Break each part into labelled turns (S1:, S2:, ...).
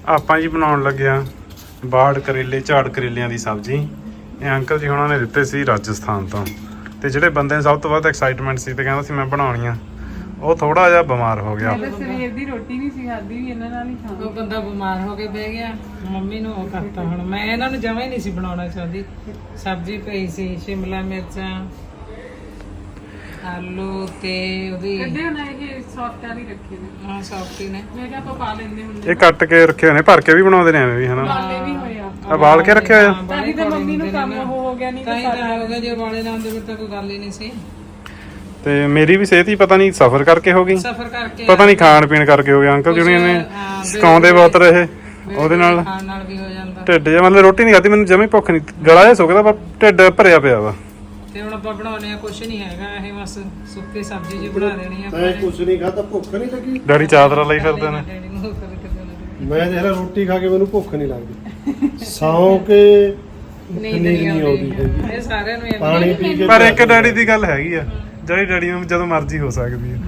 S1: ਆਪਾਂ ਜੀ ਬਣਾਉਣ ਲੱਗਿਆ ਬਾੜ ਕਰੇਲੇ ਝਾੜ ਕਰੇਲਿਆਂ ਦੀ ਸਬਜ਼ੀ। ਇਹ ਅੰਕਲ ਜੀ ਉਹਨਾਂ ਨੇ ਦਿੱਤੇ ਸੀ ਰਾਜਸਥਾਨ ਤੋਂ, ਤੇ ਜਿਹੜੇ ਬੰਦੇ ਨੂੰ ਸਭ ਤੋਂ ਵੱਧ ਐਕਸਾਈਟਮੈਂਟ ਸੀ ਤੇ ਕਹਿੰਦਾ ਸੀ ਮੈਂ ਬਣਾਉਣੀ ਆ, ਉਹ ਥੋੜਾ ਜਿਹਾ ਬਿਮਾਰ ਹੋ ਗਿਆ।
S2: ਸਵੇਰ ਦੀ ਰੋਟੀ ਨਹੀਂ ਸੀ ਖਾਦੀ ਵੀ ਇਹਨਾਂ ਨਾਲ ਹੀ ਖਾਣਾ।
S3: ਉਹ ਬੰਦਾ ਬਿਮਾਰ ਹੋ ਕੇ ਬਹਿ ਗਿਆ, ਮੰਮੀ ਨੂੰ ਉਹ ਕਰਤਾ। ਹੁਣ ਮੈਂ ਇਹਨਾਂ ਨੂੰ ਜਮਾਂ ਹੀ ਨਹੀਂ ਸੀ ਬਣਾਉਣਾ ਚਾਹਦੀ। ਸਬਜ਼ੀ ਪਈ ਸੀ, ਸ਼ਿਮਲਾ ਮਿਰਚਾਂ, ਆਲੂ ਤੇ ਉਹਦੀ
S2: ਕੱਢੇ ਉਹਨਾਂ ਇਹ ਸੌਫਟ ਵਾਲੀ ਰੱਖੇ ਨੇ।
S3: ਹਾਂ ਸੌਫਟੀ ਨੇ।
S2: ਮੈਂ ਕਿਹਾ ਆਪਾਂ ਪਾ ਲੈਂਦੇ ਹੁੰਦੇ।
S1: ਇਹ ਕੱਟ ਕੇ ਰੱਖੇ ਹੋਏ ਨੇ, ਭਰ ਕੇ ਵੀ ਬਣਾਉਂਦੇ ਨੇ ਐਵੇਂ ਵੀ ਹਨਾ।
S2: ਬਾਲੇ ਵੀ ਹੋਇਆ
S1: ਆ ਬਾਲ ਕੇ ਰੱਖਿਆ ਹੋਇਆ।
S2: ਤਾਂ ਹੀ ਤਾਂ ਮੰਮੀ ਨੂੰ ਕੰਮ ਹੋ ਗਿਆ, ਨਹੀਂ
S3: ਤਾਂ ਹੀ ਤਾਂ ਹੋ ਗਿਆ। ਜੇ ਬਾਲੇ ਨਾ ਹੁੰਦੇ ਫਿਰ ਤਾਂ ਕੋਈ ਗੱਲ ਹੀ ਨਹੀਂ ਸੀ।
S1: ਤੇ ਮੇਰੀ ਵੀ ਸਿਹਤ ਹੀ ਪਤਾ ਨਹੀਂ ਸਫਰ ਕਰਕੇ ਹੋ ਗਈ,
S3: ਸਫਰ ਕਰਕੇ
S1: ਪਤਾ ਨਹੀਂ ਖਾਣ ਪੀਣ ਕਰਕੇ ਹੋ ਗਿਆ। ਅੰਕਲ ਜੀ ਨੇ ਸਿਕਾਉਂਦੇ ਬਹੁਤ ਰਹੇ, ਉਹਦੇ ਨਾਲ
S3: ਖਾਣ ਨਾਲ ਵੀ ਹੋ ਜਾਂਦਾ।
S1: ਢਿੱਡ ਜਿਹਾ ਮਤਲਬ ਰੋਟੀ ਨਹੀਂ ਖਾਦੀ, ਮੈਨੂੰ ਜਮੇ ਭੁੱਖ ਨਹੀਂ, ਗਲਾ ਜਿਹਾ ਸੁੱਕਦਾ ਪਰ ਢਿੱਡ ਭਰਿਆ ਪਿਆ ਵਾ।
S3: ਤੇ ਹੁਣ ਆਪਾਂ ਬਣਾਉਣੇ ਆ ਕੁਛ ਨਹੀਂ ਹੈਗਾ, ਇਹ ਬਸ ਸੁੱਕੀ ਸਬਜ਼ੀ ਜੀ ਬਣਾ ਦੇਣੀ ਆ।
S4: ਮੈਂ ਕੁਝ ਨਹੀਂ ਖਾਦਾ, ਭੁੱਖ ਨਹੀਂ ਲੱਗੀ।
S1: ਡੈਡੀ ਚਾਦਰਾ ਲਈ ਫਿਰਦੇ ਨੇ।
S3: ਡੈਡੀ ਨੂੰ ਕਦੇ ਕਦੇ
S4: ਮੈਂ ਦੇਖ ਰੋਟੀ ਖਾ ਕੇ ਮੈਨੂੰ ਭੁੱਖ ਨਹੀਂ ਲੱਗਦੀ, ਸੌਂ ਕੇ
S3: ਨੀਂਦ
S4: ਨਹੀਂ
S3: ਨਹੀਂ
S4: ਆਉਂਦੀ
S3: ਆਉਂਦੀ।
S4: ਹੈਗੀ।
S3: ਇਹ ਸਾਰਿਆਂ ਨੂੰ
S4: ਪਾਣੀ ਪੀ ਕੇ
S1: ਪਰ ਇੱਕ ਡੈਡੀ ਦੀ ਗੱਲ ਹੈਗੀ ਆ, ਜਿਹੜੀ ਡੈਡੀ ਨੂੰ ਜਦੋਂ ਮਰਜ਼ੀ ਹੋ ਸਕਦੀ ਹੈ।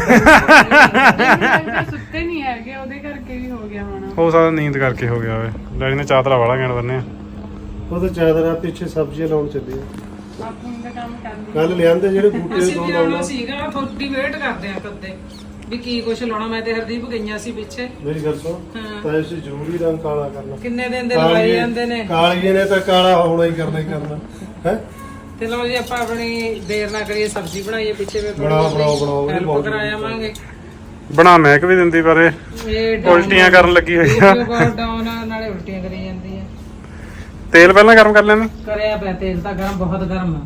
S2: ਸੁੱਤੇ ਨਹੀਂ ਹੈਗੇ, ਉਹਦੇ ਕਰਕੇ ਵੀ ਹੋ ਗਿਆ ਹੋਣਾ।
S1: ਹੋ ਸਕਦਾ ਨੀਂਦ ਕਰਕੇ ਹੋ ਗਿਆ ਹੋਵੇ। ਡੈਡੀ ਨੇ ਚਾਦਰਾ ਵਾਲਾ ਕਹਿਣ ਬੰਨੇ ਆ।
S4: ਉਹ ਤਾਂ ਚਾਦਰਾਂ ਪਿੱਛੇ ਸਬਜ਼ੀਆਂ ਲਾਉਣ ਚੱਲੇ ਆ।
S2: ਆਪੂ ਦਾ ਕੰਮ ਕਰਨੀ।
S4: ਕੱਲ ਲਿਆਂਦੇ ਜਿਹੜੇ ਬੂਟੇ
S3: ਅਸੀਂ
S4: ਤੋਂ
S3: ਵੀ
S4: ਲਾਉਣਾ।
S3: ਆਉਣਾ ਸੀਗਾ, ਥੋੜੀ ਵੇਟ ਕਰਦੇ ਆ ਕਦੇ ਵੀ ਕੀ ਕੁਛ ਲਾਉਣਾ। ਮੈਂ ਤੇ ਹਰਦੀਪ ਗਈਆਂ ਸੀ ਪਿੱਛੇ।
S4: ਮੇਰੀ ਗੱਲ ਸੁਣ, ਤਾਂ ਇਸ ਜ਼ਰੂਰੀ ਰੰਗ ਕਾਲਾ ਕਰਨਾ।
S3: ਕਿੰਨੇ ਦਿਨ ਦੇ ਲਵਾਈ ਜਾਂਦੇ ਨੇ।
S4: ਕਾਲੀਏ ਨੇ ਤਾਂ ਕਾਲਾ ਹੋਣਾ ਹੀ ਕਰਨਾ ਹੈ।
S3: ਤੇ ਲਓ ਜੀ ਆਪਾਂ ਆਪਣੀ ਦੇਰ ਨਾ ਕਰੀਏ, ਸਬਜ਼ੀ ਬਣਾਈਏ। ਪਿੱਛੇ ਵੀ
S4: ਬਣਾਓ ਇਹ
S3: ਹੈਲਪ
S4: ਬਹੁਤ
S3: ਕਰਾ ਜਾਵਾਂਗੇ।
S1: ਬਣਾ ਮਹਿਕ ਵੀ ਦਿੰਦੀ ਪਰ ਇਹ ਉਲਟੀਆਂ ਕਰਨ ਲੱਗੀ ਹੋਈ ਆ।
S3: ਡਾਊਨ ਨਾਲੇ ਉਲਟੀਆਂ ਕਰੀ ਜਾਂਦੀ ਆ।
S1: ਤੇਲ ਪਹਿਲਾਂ ਗਰਮ ਕਰ ਲੈਣੀ।
S3: ਕਰਿਆ ਪਿਆ ਤੇਲ ਤਾਂ ਗਰਮ, ਬਹੁਤ ਗਰਮ ਆ।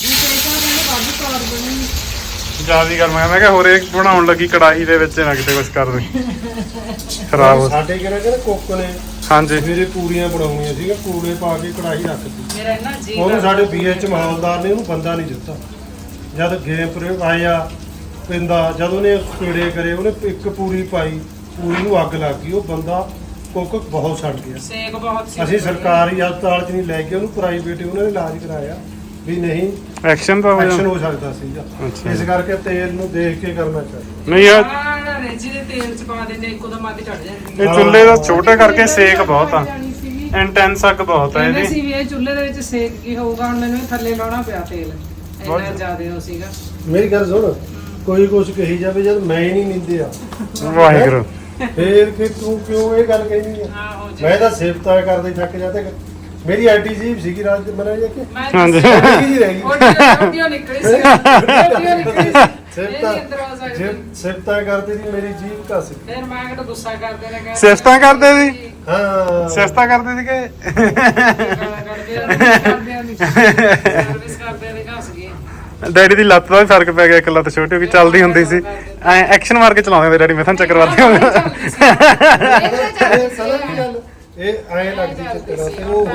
S1: ਜਿਆਦਾ ਗਰਮ ਹੈ। ਮੈਂ ਕਿਹਾ ਹੋਰ ਇਹ ਬਣਾਉਣ ਲੱਗੀ ਕੜਾਹੀ ਦੇ ਵਿੱਚ ਨਾ ਕਿਤੇ ਕੁਝ ਕਰ ਦੇ ਖਰਾਬ ਹੋ।
S4: ਸਾਡੇ ਕਿਹੜਾ ਕੁੱਕ ਨੇ
S1: ਹਾਂਜੀ
S4: ਮੇਰੇ ਪੂਰੀਆਂ ਬਣਾਉਣੀਆਂ ਸੀਗਾ, ਪੂਰੇ ਪਾ ਕੇ ਕੜਾਹੀ ਰੱਖਤੀ।
S3: ਮੇਰਾ ਇੰਨਾ ਜੀ
S4: ਉਹਨੂੰ ਸਾਡੇ BH ਮਾਹੌਲਦਾਰ ਨੇ ਉਹਨੂੰ ਬੰਦਾ ਨਹੀਂ ਦਿੱਤਾ। ਜਦ ਗੇਮ ਪ੍ਰਯੋਗ ਆਇਆ ਪਿੰਦਾ, ਜਦ ਉਹਨੇ ਕੀੜੇ ਕਰੇ, ਉਹਨੇ ਇੱਕ ਪੂਰੀ ਪਾਈ, ਪੂਰੀ ਨੂੰ ਅੱਗ ਲੱਗ ਗਈ। ਉਹ ਬੰਦਾ ਕੁੱਕ ਬਹੁਤ ਸੜ ਗਿਆ।
S3: ਸੇਕ ਬਹੁਤ ਸੀ।
S4: ਅਸੀਂ ਸਰਕਾਰੀ ਹਸਪਤਾਲ 'ਚ ਨਹੀਂ ਲੈ ਕੇ ਉਹਨੂੰ, ਪ੍ਰਾਈਵੇਟ ਉਹਨਾਂ ਨੇ ਇਲਾਜ ਕਰਾਇਆ ਵੀ ਨਹੀਂ
S1: ਐਕਸ਼ਨ ਤਾਂ ਹੋ
S4: ਐਕਸ਼ਨ
S1: ਜਾਂਦਾ।
S4: ਹੋ ਸਕਦਾ ਸੀਗਾ।
S1: ਅੱਛਾ।
S4: ਇਸ ਕਰਕੇ ਤੇਲ ਨੂੰ ਦੇਖ ਕੇ ਕਰਨਾ ਚਾਹੀਦਾ।
S1: ਨਹੀਂ ਯਾਰ
S3: ਰੇਜੀ ਦੇ ਤੇਲ ਚ ਪਾ ਦਿੰਦੇ, ਇੱਕੋ ਦਮ ਅੱਗ ਚੜ ਜਾਂਦੀ।
S1: ਇਹ ਚੁੱਲ੍ਹੇ ਦਾ ਛੋਟੇ ਕਰਕੇ ਸੇਕ ਬਹੁਤ ਆ, ਇੰਟੈਂਸ ਅੱਗ ਬਹੁਤ ਆ
S3: ਕਹਿੰਦੇ
S1: ਇਹਦੀ।
S3: ਸੀ ਵੀ ਇਹ ਚੁੱਲ੍ਹੇ ਦੇ ਵਿੱਚ ਸੇਕ ਕੀ ਹੋਊਗਾ। ਹੁਣ ਮੈਨੂੰ ਇਹ ਥੱਲੇ ਲਾਉਣਾ ਪਿਆ ਤੇਲ, ਇੰਨਾ ਜ਼ਿਆਦਾ ਹੋ ਸੀਗਾ।
S4: ਮੇਰੀ ਗੱਲ ਸੁਣ, ਕੋਈ ਕੁਛ ਕਹੀ ਜਾਵੇ, ਜਦ ਮੈਂ ਹੀ ਨਹੀਂ ਨਿੰਦਿਆ
S1: ਵਾਹਿਗੁਰੂ।
S4: ਫੇਰ ਕਿ ਤੂੰ ਕਿਉਂ ਇਹ ਗੱਲ ਕਹਿਨੀ ਆ? ਮੈਂ ਤਾਂ ਸਿਫਤਾਂ ਕਰਦੇ ਥੱਕ ਜਾਂਦੇ। ਮੇਰੀ ਆਈਟੀ ਜੀ ਸੀਗੀ ਰਾਜ ਮਨਾ ਜਾ ਕੇ
S1: ਹਾਂਜੀ
S4: ਜੀ ਰਹਿ ਗਈ।
S3: ਉਹ ਨਿਕਲੀ ਸੀ, ਉਹ ਨਿਕਲੀ ਸੀ।
S4: ਸਿਫਤਾਂ ਕਰਦੀ ਸੀ, ਮੇਰੀ ਜੀਭ ਘਸ ਗਈ।
S3: ਫਿਰ ਮੈਂ ਕਿਹਾ ਗੁੱਸਾ ਕਰਦੇ ਨੇ, ਕਹਿੰਦੇ
S1: ਸਿਫਤਾਂ ਕਰਦੇ ਸੀ।
S4: ਹਾਂ
S1: ਸਿਫਤਾਂ ਕਰਦੇ ਸੀ ਕਿ
S3: ਸਰਵਿਸ ਕਰਦੇ ਨੇ, ਘਸ ਗਏ।
S1: ਡੈਡੀ ਦੀ ਲੱਤ ਦਾ ਵੀ ਫਰਕ ਪੈ ਗਿਆ। ਇੱਕ ਲੱਤ ਛੋਟੀ ਹੋ ਗਈ, ਚੱਲਦੀ ਹੁੰਦੀ ਸੀ ਐ ਐਕਸ਼ਨ ਮਾਰ ਕੇ ਚਲਾਉਂਦੇ ਹੁੰਦੇ ਡੈਡੀ। ਮੈਥਨ ਚੱਕਰ ਵੱਧਦੇ ਹੁੰਦੇ।
S4: ਇਹ ਸਮਝ ਗਈ ਗੱਲ। ਇਹ ਐ ਲੱਗਦੀ ਚੱਕਰਾਂ ਤੇ ਉਹ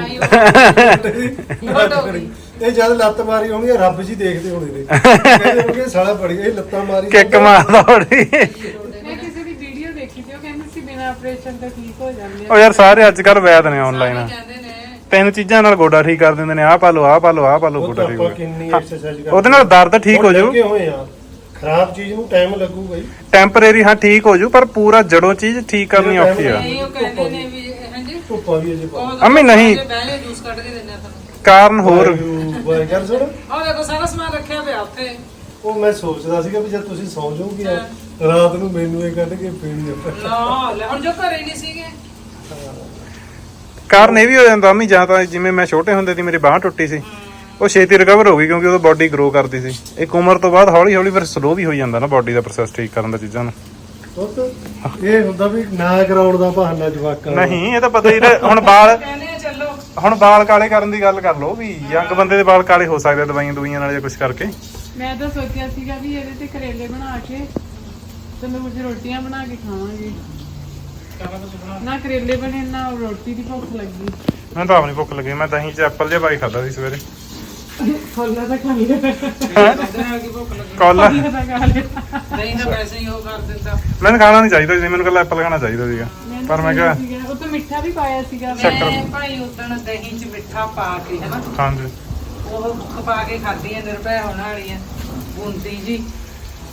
S4: ਇਹ ਜਦ ਲੱਤ ਮਾਰੀ ਹੋਣੀ, ਰੱਬ ਜੀ ਦੇਖਦੇ ਹੋਣੇ ਨੇ, ਕਹਿੰਦੇ ਹੋਣਗੇ ਸਾਲਾ ਬੜੀ ਇਹ ਲੱਤਾਂ ਮਾਰੀ
S1: ਕਿੱਕ ਮਾਰਦਾ ਹੋਣੀ।
S2: ਮੈਂ ਕਿਸੇ ਦੀ ਵੀਡੀਓ ਦੇਖੀ ਸੀ, ਉਹ ਕਹਿੰਦੇ ਸੀ ਬਿਨਾਂ ਆਪਰੇਸ਼ਨ ਤੋਂ ਠੀਕ ਹੋ ਜਾਂਦੇ ਆ।
S1: ਉਹ ਯਾਰ ਸਾਰੇ ਅੱਜ ਕੱਲ ਵੈਦ ਨੇ ਆਨਲਾਈਨ।
S3: ਕਹਿੰਦੇ ਨੇ
S1: ਤਿੰਨ ਚੀਜ਼ਾਂ ਨਾਲ ਗੋਡਾ ਠੀਕ ਕਰ ਦਿੰਦੇ ਨੇ। ਆਹ ਪਾ ਲਓ, ਆਹ ਪਾ ਲਓ, ਆਹ ਪਾ ਲਓ, ਗੋਡਾ ਠੀਕ ਹੋ
S4: ਕਿੰਨੀ
S1: ਗਿਆ।
S4: ਐਕਸਰਸਾਈਜ਼ ਕਰਦੇ
S1: ਉਹਦੇ ਨਾਲ ਦਰਦ ਠੀਕ ਹੋ ਜਾਊ।
S4: ਹੋਏ ਆ ਖਰਾਬ ਚੀਜ਼ ਨੂੰ ਟਾਈਮ ਲੱਗੂਗਾ ਹੀ।
S1: ਟੈਂਪਰੇਰੀ ਹਾਂ ਠੀਕ ਹੋ ਜਾਊ, ਪਰ ਪੂਰਾ ਜੜੋਂ ਚੀਜ਼ ਠੀਕ ਕਰਨੀ ਔਖੀ ਆ।
S3: ਨਹੀਂ, ਉਹ ਕਹਿੰਦੇ ਨੇ ਵੀ ਹਾਂਜੀ
S4: ਧੁੱਪਾਂ ਵੀ ਅਜੇ ਪਾ
S1: ਅੰਮੀ ਨਹੀਂ,
S3: ਬਹਿਲੇ ਜੂਸ ਕੱਢ ਕੇ ਦਿੰਦੇ ਆ ਤੁਹਾਨੂੰ।
S1: ਕਾਰਨ ਹੋਰ
S4: ਬਾਈ ਗੱਲ ਸੁਣ,
S3: ਆਹ ਦੇਖੋ ਸਾਰਾ ਸਮਾਨ ਰੱਖਿਆ ਪਿਆ ਉੱਥੇ।
S4: ਉਹ ਮੈਂ ਸੋਚਦਾ ਸੀਗਾ ਵੀ ਜਦ ਤੁਸੀਂ ਸੌਂ ਜਾਓਗੇ ਰਾਤ ਨੂੰ ਮੈਨੂੰ ਇਹ ਕੱਢ ਕੇ ਪੀਣੀ ਆ।
S3: ਨਾ ਲੈ, ਹੁਣ ਜੋ ਘਰੇ ਨਹੀਂ ਸੀਗੇ।
S1: ਕਾਰਨ ਇਹ ਵੀ ਹੋ ਜਾਂਦਾ ਅੰਮੀ, ਜਾਂ ਤਾਂ ਜਿਵੇਂ ਮੈਂ ਛੋਟੇ ਹੁੰਦੇ ਦੀ ਮੇਰੀ ਬਾਂਹ ਟੁੱਟੀ ਸੀ, ਉਹ ਛੇਤੀ ਰਿਕਵਰ ਹੋ ਗਈ ਕਿਉਂਕਿ ਉਹਦਾ ਬਾਡੀ ਗਰੋ ਕਰਦੀ ਸੀ। ਇੱਕ ਉਮਰ ਤੋਂ ਬਾਅਦ ਹੌਲੀ ਹੌਲੀ ਫਿਰ ਸਲੋ ਵੀ ਹੋ ਜਾਂਦਾ ਨਾ ਬਾਡੀ ਦਾ ਪ੍ਰੋਸੈਸ ਠੀਕ ਕਰਨ ਦਾ ਚੀਜ਼ਾਂ ਨੂੰ।
S4: ਇਹ ਹੁੰਦਾ ਵੀ ਨਾ ਕਰਾਉਣ ਦਾ ਬਹਾਨਾ ਜਵਾਕਾਂ ਦਾ।
S1: ਨਹੀਂ ਇਹ ਤਾਂ ਪਤਾ ਹੀ। ਹੁਣ ਬਾਲ
S3: ਕਹਿੰਦੇ ਆ ਚੱਲੋ।
S1: ਹੁਣ ਬਾਲ ਕਾਲੇ ਕਰਨ ਦੀ ਗੱਲ ਕਰ ਲਓ ਵੀ ਯੰਗ ਬੰਦੇ ਦੇ ਬਾਲ ਕਾਲੇ ਹੋ ਸਕਦੇ ਆ ਦਵਾਈਆਂ ਦੁਵਾਈਆਂ ਨਾਲ ਜਾਂ ਕੁਝ ਕਰਕੇ।
S2: ਮੈਂ ਤਾਂ ਸੋਚਿਆ ਸੀਗਾ ਵੀ ਇਹਦੇ ਤੇ ਕਰੇਲੇ ਬਣਾ ਕੇ ਤੰਦੂਰ 'ਚ ਰੋਟੀਆਂ ਬਣਾ ਕੇ ਖਾਵਾਂਗੇ। ਨਾ ਕਰੇਲੇ ਬਣੇ ਨਾ ਰੋਟੀ ਦੀ ਭੁੱਖ ਲੱਗੀ।
S1: ਮੈਨੂੰ ਤਾਂ ਆਪਣੀ ਭੁੱਖ ਲੱਗੀ। ਮੈਂ ਦਹੀਂ 'ਚ ਐਪਲ ਜਿਹਾ ਪਾਈ ਖਾਦਾ ਸੀ ਸਵੇਰੇ।
S2: ਫੁੱਲਾਂ ਤਾਂ ਖਾ ਲਿਆ,
S3: ਉਹਦੇ ਨਾਲ ਕੀ ਭੁੱਖ ਲੱਗੀ।
S1: ਕੋਲਾ
S2: ਫੁੱਲਾਂ ਤਾਂ ਖਾ ਲਿਆ।
S3: ਨਹੀਂ ਤਾਂ ਵੈਸੇ ਹੀ ਉਹ ਕਰ ਦਿੰਦਾ।
S1: ਮੈਨੂੰ ਖਾਣਾ ਨਹੀਂ ਚਾਹੀਦਾ ਸੀ, ਮੈਨੂੰ ਕੱਲਾ ਐਪਲ ਖਾਣਾ ਚਾਹੀਦਾ ਸੀਗਾ। ਪਰ ਮੈਂ ਕਿਹਾ
S2: ਉਹ ਤਾਂ ਮਿੱਠਾ ਵੀ ਪਾਇਆ ਸੀਗਾ।
S3: ਮੈਂ ਭਾਈ ਉਦਣ ਦਹੀਂ 'ਚ ਮਿੱਠਾ ਪਾ ਕੇ ਹਨਾ,
S1: ਹਾਂਜੀ
S3: ਉਹ ਖਪਾ ਕੇ ਖਾਧੀਆਂ ਨਿਰਭੈ ਹੋਣ ਵਾਲੀਆਂ ਬੂੰਦੀ ਜੀ।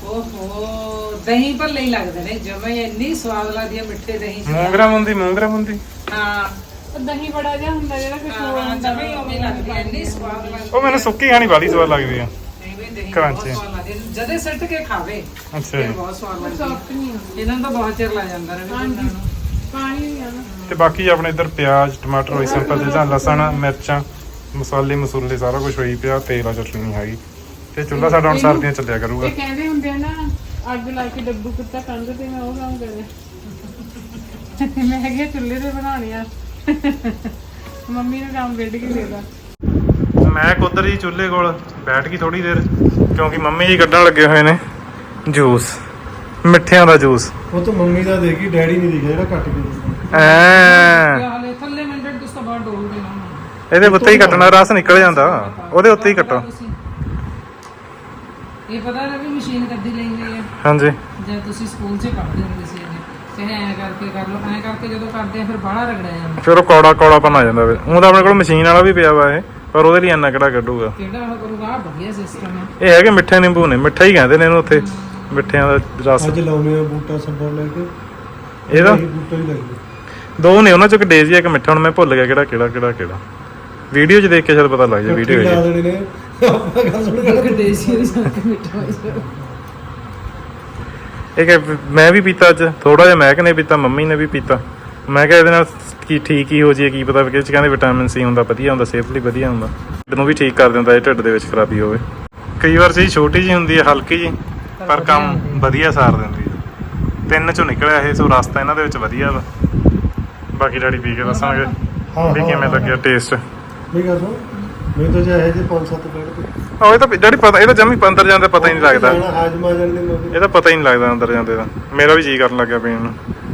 S3: ਓਹੋ ਦਹੀਂ ਭੱਲੇ ਹੀ ਲੱਗਦੇ ਨੇ ਜਮੇ ਇੰਨੀ ਸਵਾਦ ਲੱਗਦੀ ਹੈ ਮਿੱਠੇ ਦਹੀਂ ਚ
S1: ਮੂੰਗਰਾ ਮੁੰਦੀ
S3: ਹਾਂ
S2: ਉਹ ਦਹੀਂ ਬੜਾ ਜਿਹਾ ਹੁੰਦਾ ਜਿਹੜਾ ਕਿ ਚੋਲ
S3: ਹਾਂ
S2: ਹੁੰਦਾ
S3: ਜਮੇ ਉਵੇਂ ਲੱਗਦੀ ਹੈ ਇੰਨੀ ਸਵਾਦ ਲੱਗਦੀ
S1: ਉਹ ਮੈਨੂੰ ਸੁੱਕੀ ਖਾਣੀ ਬਾਲੀ ਸਵਾਦ ਲੱਗਦੀ ਆ
S3: ਐਵੇਂ ਦਹੀਂ
S1: ਕਰਾਂਚੀ।
S3: ਬਹੁਤ ਸਵਾਦ ਲੱਗਦੀ ਹੈ। ਜਦੇ ਸਿੱਟ ਕੇ ਖਾਵੇ
S1: ਅੱਛਾ
S3: ਫਿਰ
S1: ਜੀ।
S3: ਬਹੁਤ ਸਵਾਦ ਲੱਗਦੀ
S2: ਸੌਫਟ ਨਹੀਂ ਹੁੰਦੀ
S3: ਹੈ। ਇਹਨਾਂ ਨੂੰ ਤਾਂ ਬਹੁਤ ਚਿਰ ਲੱਗ ਜਾਂਦਾ ਰਹੇ
S2: ਹਾਂਜੀ ਪਾਣੀ ਵੀ ਆ ਨਾ
S1: ਤੇ ਬਾਕੀ ਆਪਣੇ ਇੱਧਰ ਪਿਆਜ਼ ਟਮਾਟਰ ਹੋਈ ਸਿੰਪਲ ਚੀਜ਼ਾਂ ਲਸਣ ਮਿਰਚਾਂ ਮਸਾਲੇ ਸਾਰਾ ਕੁਝ ਹੋਈ ਪਿਆ ਤੇਲ ਆ ਚਟਨੀ ਨਹੀਂ ਹੈਗੀ ਤੇ ਚੁੱਲ੍ਹਾ ਸਾਡਾ ਹੁਣ ਸਰਦੀਆਂ ਚੱਲਿਆ ਕਰੂਗਾ
S2: ਇਹ ਕਹਿੰਦੇ ਹੁੰਦੇ ਆ ਨਾ ਅੱਗ ਲਾ ਕੇ ਡੱਬੂ ਕੁੱਤਾ ਕੰਧ ਤੇ ਮੈਂ ਉਹ ਕੰਮ ਕਰਿਆ ਮੈਂ ਕਿਹਾ ਚੁੱਲ੍ਹੇ ਤੇ ਬਣਾਉਣੀ ਆ ਮੰਮੀ ਨੂੰ ਕੰਮ ਕੱਢ ਕੇ ਦੇਦਾ
S1: ਮੈਂ ਕੁਦਰ ਜੀ ਚੁੱਲ੍ਹੇ ਕੋਲ ਬੈਠ ਗਈ ਥੋੜੀ ਦੇਰ ਕਿਉਂਕਿ ਮੰਮੀ ਜੀ ਕੱਢਣ ਲੱਗੇ ਹੋਏ ਨੇ ਜੂਸ ਮਿੱਠਿਆਂ ਦਾ ਜੂਸ
S4: ਉਹ ਤਾਂ ਮੰਮੀ ਦਾ ਦੇਖੀ ਡੈਡੀ ਨਹੀਂ ਦਿਖਿਆ ਜਿਹੜਾ ਕੱਟ ਕੇ ਦਿੱਤਾ।
S1: ਐ
S3: ਹਾਲੇ ਥੱਲੇ ਮਿੰਟ ਤੋਂ ਬਾਅਦ ਡੋਲ ਦੇਣਾ
S1: ਇਹਦੇ ਉੱਤੇ ਹੀ ਕੱਟਣਾ ਰਸ ਨਿਕਲ ਜਾਂਦਾ ਉਹਦੇ ਉੱਤੇ ਹੀ ਕੱਟੋ
S3: ਇਹ ਪਤਾ ਨਾ ਵੀ ਮਸ਼ੀਨ ਕੱਢੀ ਲਈ ਹੋਈ ਹੈ
S1: ਹਾਂਜੀ
S3: ਜਦ ਤੁਸੀਂ ਸਕੂਲ 'ਚ ਪੜ੍ਹਦੇ ਹੁੰਦੇ ਸੀ ਚਾਹੇ ਐਂ ਕਰਕੇ ਕਰ ਲਓ ਐਂ ਕਰਕੇ ਜਦੋਂ ਕਰਦੇ ਆ ਫਿਰ ਬਾਹਲਾ ਰਗੜਿਆ ਜਾਂਦਾ
S1: ਫਿਰ ਉਹ ਕੌੜਾਪਨ ਆ ਜਾਂਦਾ ਵੇ ਉਹ ਤਾਂ ਆਪਣੇ ਕੋਲ ਮਸ਼ੀਨ ਵਾਲਾ ਵੀ ਪਿਆ ਵਾ ਇਹ ਪਰ ਉਹਦੇ ਲਈ ਇੰਨਾ ਕਿਹੜਾ ਕੱਢੂਗਾ
S3: ਕਿਹੜਾ ਉਹ ਕਰੂਗਾ ਆਹ ਵਧੀਆ ਸਿਸਟਮ ਹੈ
S1: ਇਹ ਹੈਗੇ ਮਿੱਠੇ ਨਿੰਬੂ ਨੇ ਮਿੱਠਾ ਹੀ ਕਹਿੰਦੇ ਨੇ ਇਹਨੂੰ ਉੱਥੇ ਮਿੱਠਿਆਂ ਦਾ ਰਸ
S4: ਅੱਜ ਲਾਉਨੇ ਆ ਬੂਟਾ ਸੱਬਰ ਲੈ ਕੇ
S1: ਇਹਦਾ
S4: ਇਹੀ ਬੂਟਾ ਹੀ ਲੱਗਦਾ
S1: ਦੋ ਨੇ ਉਹਨਾਂ ਚੋਂ ਇੱਕ ਡੇਜ਼ੀ ਇੱਕ ਮਿੱਠਾ ਹੁਣ ਮੈਂ ਭੁੱਲ ਗਿਆ ਕਿਹੜਾ ਵੀਡੀਓ 'ਚ ਦੇਖ ਕੇ ਸ਼ਾਇਦ ਪਤਾ ਲੱਗ ਜਾ ਵੀਡੀਓ
S4: ਲਾ
S1: ਹੈ
S4: ਦੇਣੇ ਨੇ ਆਪਾਂ ਗੱਲ ਸੁਣ ਕੇ
S3: ਇੱਕ ਦੇਸੀ ਦੀ ਸਾਕ ਮਿੱਠਾ ਹੋਇਆ
S1: ਇਹ ਕਿ ਮੈਂ ਵੀ ਪੀਤਾ ਅੱਜ ਥੋੜਾ ਜਿਹਾ ਮਹਿਕ ਨੇ ਪੀਤਾ ਮੰਮੀ ਨੇ ਵੀ ਪੀਤਾ ਮੈਂ ਕਿਹਾ ਇਹਦੇ ਨਾਲ ਕੀ ਠੀਕ ਹੀ ਹੋ ਜਾਏ ਕੀ ਪਤਾ ਕਿ ਇਹ 'ਚ ਕਹਿੰਦੇ ਵਿਟਾਮਿਨ ਸੀ ਹੁੰਦਾ ਵਧੀਆ ਹੁੰਦਾ ਸਿਹਤ ਲਈ ਵਧੀਆ ਹੁੰਦਾ ਢਿੱਡ ਨੂੰ ਵੀ ਠੀਕ ਕਰ ਦਿੰਦਾ ਇਹ ਢਿੱਡ ਦੇ ਵਿੱਚ ਖਰਾਬੀ ਹੋਵੇ ਕਈ ਵਾਰ ਚੀਜ਼ ਛੋਟੀ ਜੀ ਹੁੰਦੀ ਹੈ ਹਲਕੀ ਜੀ ਪਰ ਕੰਮ ਵਧੀਆ ਸਾਰ ਦਿੰਦੀ ਹੈ 3 ਚੋਂ ਨਿਕਲਿਆ ਇਹ ਸੋ ਰਸਤਾ ਇਹਨਾਂ ਦੇ ਵਿੱਚ ਵਧੀਆ ਵਾ ਬਾਕੀ ਡੈਡੀ ਪੀ ਕੇ ਦੱਸਾਂਗੇ ਵੀ ਕਿਵੇਂ ਲੱਗਿਆ ਟੇਸਟ
S4: ਮੇਰੀ ਗੱਲ ਸੁਣ ਮੈਂ ਤਾਂ ਜਾਇ ਜੇ 5-7 ਕੱਢ ਕੇ
S1: ਇਹ ਤਾਂ ਡੈਡੀ ਪਤਾ ਇਹ ਤਾਂ ਜਮੀ ਅੰਦਰ ਜਾਂਦੇ ਪਤਾ ਹੀ ਨਹੀਂ ਲੱਗਦਾ
S4: ਹਾਜਮਾ ਜਾਣ ਦੇ ਮੌਕੇ
S1: ਇਹਦਾ ਪਤਾ ਹੀ ਨਹੀਂ ਲੱਗਦਾ ਅੰਦਰ ਜਾਂਦੇ ਦਾ ਮੇਰਾ ਵੀ ਜੀ ਕਰਨ ਲੱਗਿਆ ਪੀਣ ਨੂੰ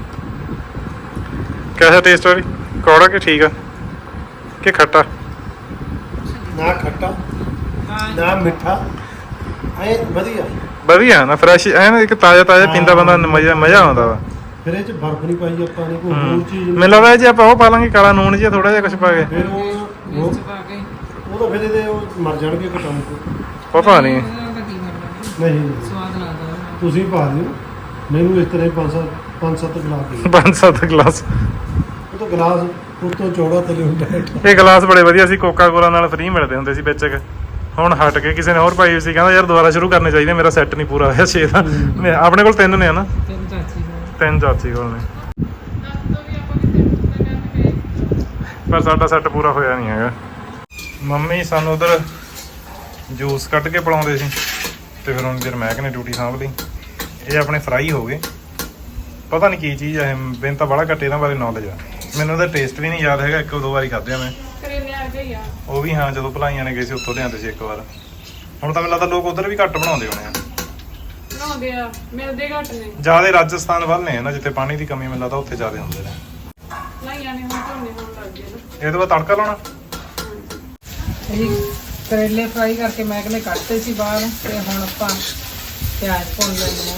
S1: ਕਿਹਦਾ ਟੇਸਟ ਆ ਵੀ ਕੌੜਾ ਕਿ ਠੀਕ ਆ ਕਿ ਖੱਟਾ
S4: ਨਾ ਖੱਟਾ ਨਾ ਮਿੱਠਾ ਐ ਵਧੀਆ
S1: ਵਧੀਆ ਨਾ ਫਰੈਸ਼ ਐ ਨਾ ਇੱਕ ਤਾਜ਼ਾ ਪੀਂਦਾ ਬੰਦਾ ਮਜ਼ਾ ਆਉਂਦਾ ਵਾ
S4: ਫਿਰ ਇਹ ਚ ਬਰਫ ਨਹੀਂ ਪਾਈ ਆਪਾਂ ਨੇ ਕੋਈ ਹੋਰ ਚੀਜ਼
S1: ਮੈਨੂੰ ਲੱਗਦਾ ਜੇ ਆਪਾਂ ਉਹ ਪਾ ਲਾਂਗੇ ਕਾਲਾ ਨੂਣ ਜਿਹਾ ਥੋੜਾ ਜਿਹਾ ਕੁਝ ਪਾ ਕੇ
S4: ਫਿਰ ਉਹ
S3: ਮਿਰਚ ਪਾ ਕੇ
S4: ਉਹ ਤਾਂ ਫਿਰ ਇਹਦੇ ਉਹ ਮਰ ਜਾਣਗੇ ਕਟਾਉਂ
S1: ਪਤਾ ਨਹੀਂ
S3: ਉਹਦਾ ਤਾਂ ਕੀ ਕਰਨਾ
S4: ਨਹੀਂ
S3: ਸਵਾਦ ਲੱਗਦਾ ਉਹਦਾ।
S4: ਤੁਸੀਂ ਪਾ ਦਿਓ ਮੈਨੂੰ ਇਸ ਤਰ੍ਹਾਂ 5-7 ਗਲਾਸ ਦੇ
S1: 5-7 ਗਲਾਸ
S4: ਉਹ ਤਾਂ ਗਲਾਸ ਉੱਤੋਂ ਚੌੜਾ ਥੱਲੇ ਹੁੰਦਾ ਹੈ
S1: ਇਹ ਗਲਾਸ ਬੜੇ ਵਧੀਆ ਸੀ ਕੋਕਾ ਕੋਲਾ ਨਾਲ ਫ੍ਰੀ ਮਿਲਦੇ ਹੁੰਦੇ ਸੀ ਵਿੱਚ ਹੁਣ ਹਟ ਕੇ ਕਿਸੇ ਨੇ ਹੋਰ ਪਾਈ ਹੋਈ ਸੀ ਕਹਿੰਦਾ ਯਾਰ ਦੁਬਾਰਾ ਸ਼ੁਰੂ ਕਰਨੇ ਚਾਹੀਦੇ ਮੇਰਾ ਸੈੱਟ ਨਹੀਂ ਪੂਰਾ ਹੋਇਆ 6 ਦਾ ਆਪਣੇ ਕੋਲ 3 ਨੇ ਹਨਾ
S3: ਤੈਨੂੰ ਚਾਚੀ ਦਾ
S1: 3 ਚਾਚੀ ਕੋਲ ਨੇ
S2: ਦੱਸ ਦੋ ਵੀ ਆਪਾਂ ਕਿਤੇ ਘੁੰਮਣ ਗਏ
S1: ਪਰ ਸਾਡਾ ਸੈੱਟ ਪੂਰਾ ਹੋਇਆ ਨਹੀਂ ਹੈਗਾ ਮੰਮੀ ਸਾਨੂੰ ਉਧਰ ਜੂਸ ਕੱਢ ਕੇ ਪਿਲਾਉਂਦੇ ਸੀ ਤੇ ਫਿਰ ਹੁਣ ਜਰ ਮਹਿਕ ਨੇ ਡਿਊਟੀ ਸਾਂਭ ਲਈ ਇਹ ਆਪਣੇ ਫਰਾਈ ਹੋ ਗਏ ਪਤਾ ਨਹੀਂ ਕੀ ਚੀਜ਼ ਹੈ ਮੈਨੂੰ ਤਾਂ ਬੜਾ ਘੱਟ ਇਹਨਾਂ ਬਾਰੇ ਨੌਲੇਜ ਆ ਮੈਨੂੰ ਉਹਦਾ ਟੇਸਟ ਵੀ ਨਹੀਂ ਯਾਦ ਹੈਗਾ 1-2 ਵਾਰੀ ਖਾਧਿਆ ਮੈਂ
S2: ਕਰੇਲੇ ਆ ਗਏ ਆ
S1: ਉਹ ਵੀ ਹਾਂ ਜਦੋਂ ਭਲਾਈਆਂ ਨੇ ਗਏ ਸੀ ਉੱਥੋਂ ਲਿਆਂਦੇ ਸੀ ਇੱਕ ਵਾਰ ਹੁਣ ਤਾਂ ਮੈਨੂੰ ਲੱਗਦਾ ਲੋਕ ਉਧਰ ਵੀ ਘੱਟ ਬਣਾਉਂਦੇ ਹੋਣੇ ਆ
S2: ਬਣਾਉਂਦੇ ਆ ਮਿਲਦੇ ਘੱਟ ਨੇ
S1: ਜਿਆਦਾ ਰਾਜਸਥਾਨ ਵੱਲ ਨੇ ਨਾ ਜਿੱਥੇ ਪਾਣੀ ਦੀ ਕਮੀ ਮੈਨੂੰ ਲੱਗਦਾ ਉੱਥੇ ਜ਼ਿਆਦਾ ਹੁੰਦੇ ਨੇ
S2: ਲਾਈਆਂ ਨੇ ਹੁਣ ਝੋਨੇ ਹੋਣ ਲੱਗ ਗਏ ਨਾ
S1: ਇਹਦੇ ਬਾਅਦ ਤੜਕਾ ਲਾਉਣਾ
S3: ਇਹ ਕਰੇਲੇ ਫਰਾਈ ਕਰਕੇ ਮੈਂ ਕਹਿੰਦੇ ਕੱਟਦੇ ਸੀ ਬਾਹਰ ਤੇ ਹੁਣ ਆਪਾਂ ਪਿਆਜ਼ ਭੁੰਨ ਲੈਂਦੇ ਹਾਂ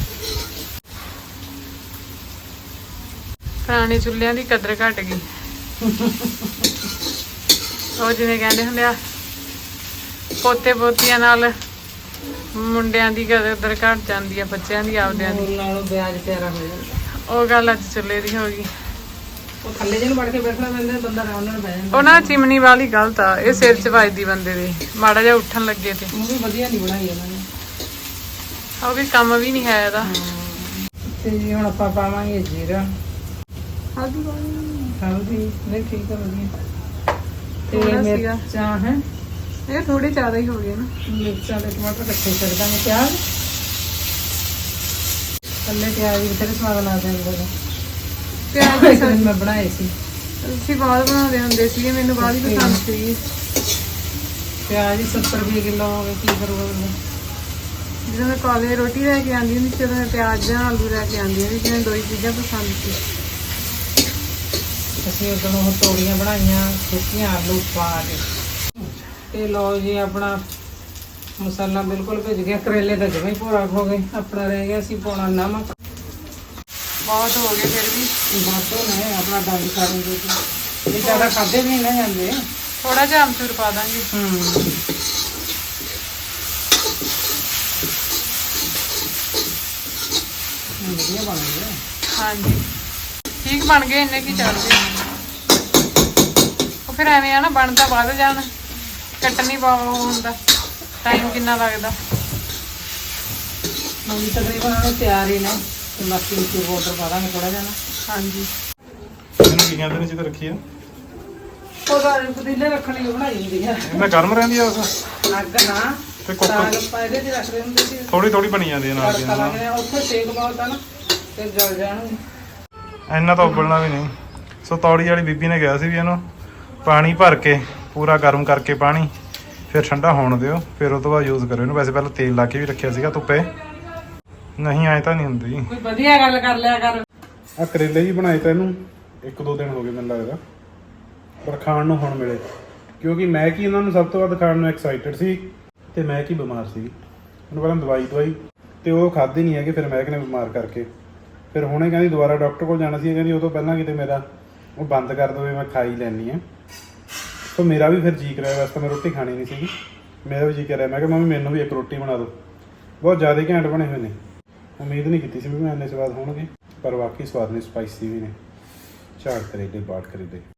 S2: ਪੁਰਾਣੇ ਚੁੱਲ੍ਹਿਆਂ ਦੀ ਕਦਰ ਘਟ ਗਈ ਉਹ ਜਿਵੇਂ ਕਹਿੰਦੇ ਹੁੰਦੇ ਆ ਪੋਤੇ ਪੋਤੀਆਂ ਨਾਲ ਮੁੰਡਿਆਂ ਦੀ ਕਦਰ ਘਟ ਜਾਂਦੀ ਆ ਬੱਚਿਆਂ ਦੀ ਆਪਦਿਆਂ ਦੀ
S3: ਮੂਲ ਨਾਲੋਂ ਪਿਆਜ਼ ਪਿਆਰਾ ਹੋ ਜਾਂਦਾ
S2: ਉਹ ਗੱਲ ਅੱਜ ਚੁੱਲ੍ਹੇ ਦੀ ਹੋ ਗਈ
S3: ਉਹ ਥੱਲੇ ਜਿਹਨੂੰ ਵੜ ਕੇ ਬੈਠਣਾ ਪੈਂਦਾ ਬੰਦਾ ਆਰਾਮ ਨਾਲ ਬਹਿ ਜਾਂਦਾ
S2: ਉਹ ਨਾ ਚਿਮਨੀ ਵਾਲੀ ਗਲਤ ਆ ਇਹ ਸਿਰ 'ਚ ਵੱਜਦੀ ਬੰਦੇ ਦੇ ਮਾੜਾ ਜਿਹਾ ਉੱਠਣ ਲੱਗੇ ਤੇ
S3: ਉਹ ਵੀ ਵਧੀਆ ਨਹੀਂ ਬਣਾਈ ਇਹਨਾਂ ਨੇ
S2: ਉਹ ਵੀ ਕੰਮ ਵੀ ਨਹੀਂ ਹੈ ਇਹਦਾ
S3: ਤੇ ਜੀ ਹੁਣ ਆਪਾਂ ਪਾਵਾਂਗੇ ਜੀਰਾ ਹਲਦੀ ਨਹੀਂ ਠੀਕ ਆ ਵਧੀਆ ਤੇ
S2: ਥੋੜ੍ਹਾ ਸੀਗਾ।
S3: ਮਿਰਚਾਂ ਹੈ
S2: ਇਹ ਥੋੜੇ ਜ਼ਿਆਦਾ ਹੀ ਹੋ ਗਏ ਨਾ
S3: ਮਿਰਚਾਂ ਤੇ ਟਮਾਟਰ ਇਕੱਠੇ ਕਰ ਦਾਂਗੇ ਪਿਆਜ਼ ਥੱਲੇ ਪਿਆਜ਼ ਵੀ ਬਥੇਰੇ ਸਵਾਦ ਲੱਗਦੇ ਨੇ
S2: ਪਿਆਜ਼
S3: ਇੱਕ ਦਿਨ ਮੈਂ ਬਣਾਏ ਸੀ
S2: ਅਸੀਂ ਬਾਅਦ ਬਣਾਉਂਦੇ ਹੁੰਦੇ ਸੀਗੇ ਮੈਨੂੰ ਬਾਅਦ ਹੀ ਪਸੰਦ ਸੀਗੀ
S3: ਪਿਆਜ਼ 70 ਰੁਪਏ ਕਿਲੋ ਹੋ ਗਏ ਕੀ ਕਰੂਗਾ ਬੰਦਾ
S2: ਜਦੋਂ ਮੈਂ ਕਾਲਜ ਰੋਟੀ ਲੈ ਕੇ ਆਉਂਦੀ ਹੁੰਦੀ ਸੀ ਉਦੋਂ ਮੈਂ ਪਿਆਜ਼ ਜਾਂ ਆਲੂ ਲੈ ਕੇ ਆਉਂਦੀ ਹੁੰਦੀ ਸੀ ਮੈਨੂੰ ਦੋ ਹੀ ਚੀਜ਼ਾਂ ਪਸੰਦ ਸੀ
S3: ਅਸੀਂ ਉਦੋਂ ਉਹ ਤੋੜੀਆਂ ਬਣਾਈਆਂ ਸੁੱਕੀਆਂ ਆਲੂ ਪਾ ਕੇ ਤੇ ਲਓ ਜੀ ਆਪਣਾ ਮਸਾਲਾ ਬਿਲਕੁਲ ਭੁੱਜ ਗਿਆ ਕਰੇਲੇ ਤਾਂ ਜਿਵੇਂ ਹੀ ਭੋਰਾ ਹੋ ਗਏ ਆਪਣਾ ਰਹਿ ਗਿਆ ਸੀ ਪਾਉਣਾ ਨਮਕ
S2: ਬਹੁਤ ਹੋ ਗਏ ਫਿਰ ਵੀ
S3: ਬਾਤੋਂ ਨੇ ਆਪਣਾ ਡਾਈਟ ਕਰਾਂਗੇ ਇਹ ਜ਼ਿਆਦਾ ਖਾਦੇ ਵੀ ਨਾ ਜਾਂਦੇ
S2: ਥੋੜਾ ਜਿਹਾ ਅਮਚੂਰ ਪਾ ਦਾਂਗੇ
S3: ਵਧੀਆ ਬਣ ਗਏ।
S2: ਹਾਂਜੀ ਠੀਕ ਬਣ ਗਏ, ਇੰਨੇ ਕੀ ਚੱਲਦੇ। ਉਹ ਫਿਰ ਐਵੇਂ ਆ ਨਾ, ਬਣਦਾ ਵੱਧ ਜਾਣ, ਕੱਟਣੀ ਪਾਉ ਹੁੰਦਾ, ਟਾਈਮ ਕਿੰਨਾ ਲੱਗਦਾ।
S3: ਹੁਣ ਤਕਰੀਬਨ ਉਹਨੇ ਤਿਆਰ ਹੀ ਨੇ, ਤੇ ਬਾਕੀ ਵਿੱਚ ਪਾਊਡਰ ਪਾ ਦਾਂਗੇ ਥੋੜਾ ਜਿਹਾ ਨਾ।
S2: ਹਾਂਜੀ
S1: ਇਹਨੂੰ ਕੀ ਕਹਿੰਦੇ ਨੇ ਜਿੱਥੇ ਰੱਖੀ ਆ?
S3: ਉਹਦਾ ਪਤੀਲੇ ਰੱਖਣ ਲਈ ਬਣਾਈ ਹੁੰਦੀ ਆ।
S1: ਇਹਨਾਂ ਗਰਮ ਰਹਿੰਦੀ ਆ ਉਸ
S3: ਅੱਗ ਨਾ
S1: ਤੇ
S3: ਸਾਗ
S1: ਕੁੱਕਰ
S3: ਆਪਾਂ ਇਹਦੇ 'ਚ ਰੱਖਦੇ ਹੁੰਦੇ ਸੀ,
S1: ਥੋੜੀ ਥੋੜੀ ਬਣੀ ਜਾਂਦੀ ਹੈ ਨਾਲ ਦੀ
S3: ਤੜਕਾ
S1: ਨਾਲ।
S3: ਲੱਗਦਾ ਉੱਥੇ ਸੇਕ ਬਹੁਤ ਆ ਨਾ, ਤੇ ਜਲ ਜਾਣਗੇ।
S1: ਇੰਨਾ ਤਾਂ ਉਬਲਣਾ ਵੀ ਨਹੀਂ। ਸੋ ਤੌੜੀ ਵਾਲੀ ਬੀਬੀ ਨੇ ਕਿਹਾ ਸੀ ਵੀ ਇਹਨੂੰ ਪਾਣੀ ਭਰ ਕੇ ਪੂਰਾ ਗਰਮ ਕਰਕੇ ਪਾਣੀ ਫਿਰ ਠੰਡਾ ਹੋਣ ਦਿਓ, ਫਿਰ ਉਹ ਤੋਂ ਬਾਅਦ ਯੂਜ਼ ਕਰਿਓ ਇਹਨੂੰ। ਵੈਸੇ ਪਹਿਲਾਂ ਤੇਲ ਲਾ ਕੇ ਵੀ ਰੱਖਿਆ ਸੀਗਾ ਧੁੱਪੇ, ਨਹੀਂ ਆਏ ਤਾਂ ਨਹੀਂ ਹੁੰਦੀ।
S3: ਕੋਈ ਵਧੀਆ ਗੱਲ ਕਰ ਲਿਆ ਕਰ।
S1: ਆ ਕਰੇਲੇ ਵੀ ਬਣਾਏ ਤਾਂ ਇਹਨੂੰ 1-2 ਦਿਨ ਹੋ ਗਏ ਮੈਨੂੰ ਲੱਗਦਾ, ਪਰ ਖਾਣ ਨੂੰ ਹੁਣ ਮਿਲੇ, ਕਿਉਂਕਿ ਮੈਂ ਕੀ ਇਹਨਾਂ ਨੂੰ ਸਭ ਤੋਂ ਵੱਧ ਖਾਣ ਨੂੰ ਐਕਸਾਈਟਡ ਸੀ, ਤੇ ਮੈਂ ਕੀ ਬਿਮਾਰ ਸੀ। ਉਹਨੂੰ ਪਹਿਲਾਂ ਦਵਾਈ ਤੇ ਉਹ ਖਾਧੀ ਨਹੀਂ ਹੈਗੀ, ਫਿਰ ਮੈਂ ਨੇ ਬਿਮਾਰ ਕਰਕੇ ਫਿਰ ਹੁਣੇ ਕਹਿੰਦੀ ਦੁਬਾਰਾ ਡਾਕਟਰ ਕੋਲ ਜਾਣਾ ਸੀ, ਕਹਿੰਦੀ ਉਹ ਤੋਂ ਪਹਿਲਾਂ ਕਿਤੇ ਮੇਰਾ ਉਹ ਬੰਦ ਕਰ ਦੇਵੇ, ਮੈਂ ਖਾ ਹੀ ਲੈਣੀ ਆ। ਸੋ ਮੇਰਾ ਵੀ ਫਿਰ ਜੀ ਕਰਿਆ, ਵੈਸੇ ਤਾਂ ਮੈਂ ਰੋਟੀ ਖਾਣੀ ਨਹੀਂ ਸੀਗੀ, ਮੇਰਾ ਵੀ ਜੀ ਕਰਿਆ। ਮੈਂ ਕਿਹਾ ਮੰਮੀ ਮੈਨੂੰ ਵੀ ਇੱਕ ਰੋਟੀ ਬਣਾ ਦਿਓ। ਬਹੁਤ ਜ਼ਿਆਦਾ ਘੈਂਟ ਬਣੇ ਹੋਏ ਨੇ, ਉਮੀਦ ਨਹੀਂ ਕੀਤੀ ਸੀ ਵੀ ਮੈਂ ਇੰਨੇ ਸਵਾਦ ਹੋਣਗੇ, ਪਰ ਵਾਕਈ ਸਵਾਦ ਨੇ, ਸਪਾਈਸੀ ਵੀ ਨੇ। ਝਾੜ ਕਰੇਲੇ, ਬਾੜ ਕਰੇਲੇ।